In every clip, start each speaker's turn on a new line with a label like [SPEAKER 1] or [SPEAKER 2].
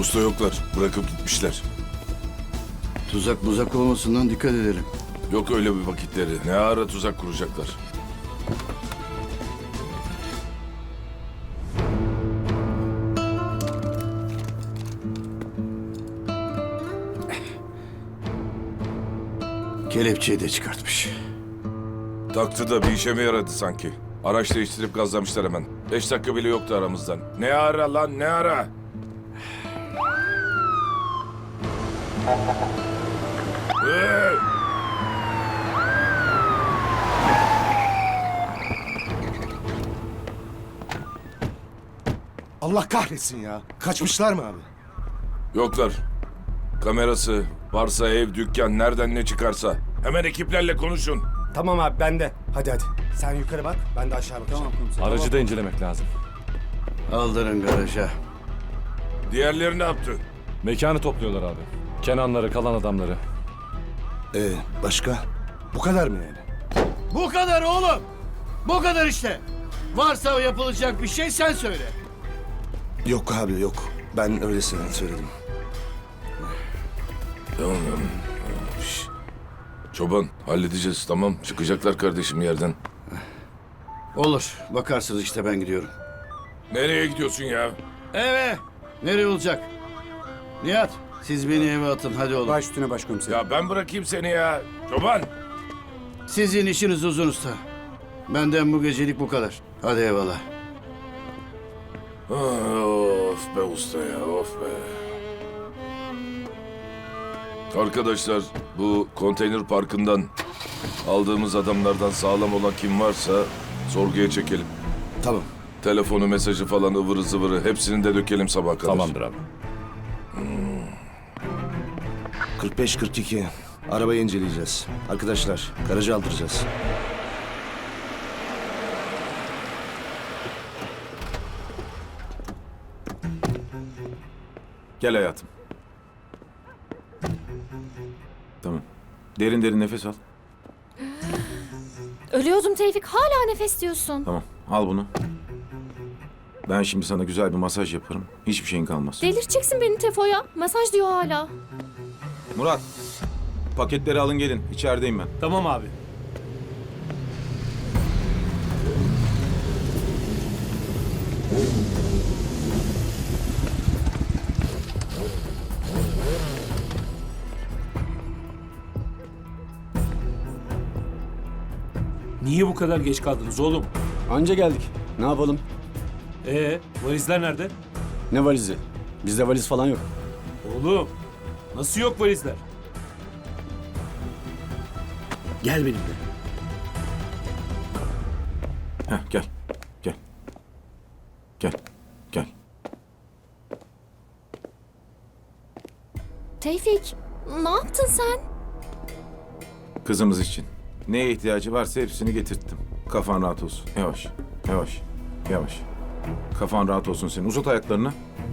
[SPEAKER 1] Usta yoklar. Bırakıp gitmişler.
[SPEAKER 2] Tuzak muzak olmasından dikkat edelim.
[SPEAKER 1] Yok öyle bir vakitleri. Ne ara tuzak kuracaklar.
[SPEAKER 2] Kelepçeyi de çıkartmış.
[SPEAKER 1] Taktı da bir işe mi yaradı sanki? Araç değiştirip gazlamışlar hemen. 5 dakika bile yoktu aramızdan. Ne ara lan ne ara? Hey!
[SPEAKER 3] Allah kahretsin ya. Kaçmışlar mı abi?
[SPEAKER 1] Yoklar. Kamerası, varsa ev, dükkan, nereden ne çıkarsa. Hemen ekiplerle konuşun.
[SPEAKER 3] Tamam abi ben de. Hadi hadi. Sen yukarı bak, ben de aşağı bakacağım. Tamam komiserim.
[SPEAKER 4] Aracı da incelemek lazım.
[SPEAKER 2] Aldırın garaja.
[SPEAKER 1] Diğerleri ne yaptı?
[SPEAKER 4] Mekanı topluyorlar abi. Kenanları, kalan adamları.
[SPEAKER 3] Başka? Bu kadar mı yani?
[SPEAKER 2] Bu kadar oğlum. Bu kadar işte. Varsa yapılacak bir şey sen söyle.
[SPEAKER 3] Yok abi yok. Ben öylesine söyledim.
[SPEAKER 1] Tamam. Şş. Çoban halledeceğiz tamam. Çıkacaklar kardeşim yerden.
[SPEAKER 2] Olur. Bakarsınız işte ben gidiyorum.
[SPEAKER 1] Nereye gidiyorsun ya?
[SPEAKER 2] Eve. Nereye olacak? Nihat siz beni eve atın hadi oğlum.
[SPEAKER 3] Baş üstüne başkomiserim.
[SPEAKER 1] Ya ben bırakayım seni ya. Çoban.
[SPEAKER 2] Sizin işiniz uzun usta. Benden bu gecelik bu kadar. Hadi eyvallah.
[SPEAKER 1] Of be usta ya of be. Arkadaşlar bu konteyner parkından aldığımız adamlardan sağlam olan kim varsa sorguya çekelim.
[SPEAKER 3] Tamam.
[SPEAKER 1] Telefonu, mesajı falan ıvırı zıvırı hepsini de dökelim sabah kadar.
[SPEAKER 4] Tamamdır abi.
[SPEAKER 3] 45-42. Arabayı inceleyeceğiz. Arkadaşlar garajı aldıracağız.
[SPEAKER 5] Gel hayatım. Tamam. Derin derin nefes al.
[SPEAKER 6] Ölüyordum Tevfik. Hala nefes diyorsun.
[SPEAKER 5] Tamam. Al bunu. Ben şimdi sana güzel bir masaj yaparım. Hiçbir şeyin kalmaz.
[SPEAKER 6] Delirteceksin beni Tefo'ya. Masaj diyor hala.
[SPEAKER 5] Murat. Paketleri alın gelin. İçerideyim ben.
[SPEAKER 7] Tamam abi. Niye bu kadar geç kaldınız oğlum?
[SPEAKER 8] Anca geldik. Ne yapalım?
[SPEAKER 7] Valizler nerede?
[SPEAKER 8] Ne valizi? Bizde valiz falan yok.
[SPEAKER 7] Oğlum, nasıl yok valizler?
[SPEAKER 3] Gel benimle.
[SPEAKER 5] Heh, gel. Gel. Gel. Gel.
[SPEAKER 6] Tevfik, ne yaptın sen?
[SPEAKER 5] Kızımız için. Neye ihtiyacı varsa hepsini getirttim. Kafan rahat olsun. Yavaş. Yavaş. Yavaş. Kafan rahat olsun senin. Uzat ayaklarını.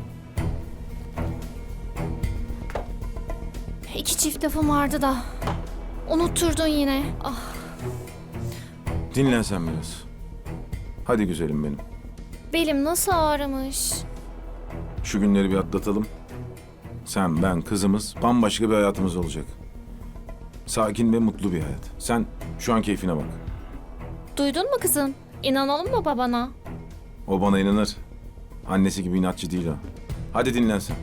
[SPEAKER 6] İki çift lafım vardı da. Unutturdun yine. Ah,
[SPEAKER 5] Dinlen sen biraz. Hadi güzelim benim.
[SPEAKER 6] belim nasıl ağrımış.
[SPEAKER 5] Şu günleri bir atlatalım. Sen, ben, kızımız bambaşka bir hayatımız olacak. Sakin ve mutlu bir hayat. Sen şu an keyfine bak.
[SPEAKER 6] Duydun mu kızım? İnanalım mı babana?
[SPEAKER 5] O bana inanır. Annesi gibi inatçı değil o. Hadi dinlen sen.